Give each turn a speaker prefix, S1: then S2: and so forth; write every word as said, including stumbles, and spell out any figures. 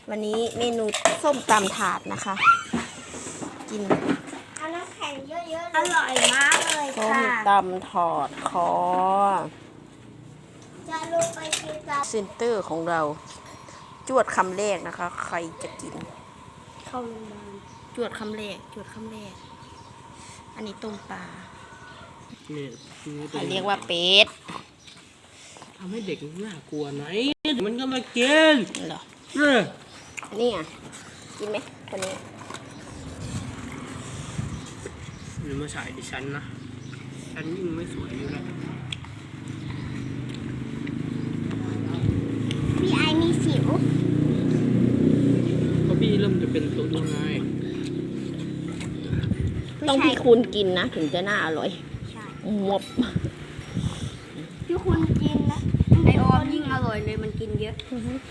S1: วันนี้เมนูส้มตำถาดนะคะ กิน
S2: เอาน้ำแข็งเยอะๆอร่อยมากเลย
S1: ส้ม
S2: ค่ะ
S1: ตำถอดคอ
S2: จะลงไปกินกับ
S1: เซนเตอร์ของเรา จวดคำแรกนะคะ ใครจะกิน
S2: เข้าโรงพยาบาล
S1: จวดคำแรกจวดคำแรก อันนี้ต้มปลา
S3: เนี่ย
S1: เขาเรียกว่าเป็ด
S3: ทำให้เด็กน่ากลัวไหนมันก็มากิน
S1: เหรอ
S3: เออ
S1: นี่อ่ะ กินไหมคนนี้
S3: หรือมาฉายดิฉันนะฉันยิ่งไม่สวยอยู่แล้ว
S2: พี่ไอมีสิว
S3: ก็พี่เริ่มจะเป็นตุ๊ดแล้วไง
S1: ต้องพี่คุณกินนะ ถึงจะน่าอร่อย
S2: ใช่
S1: มบ
S2: พี่คุณกินนะไอออมยิ่งอร่อยเลยมันกินเยอะ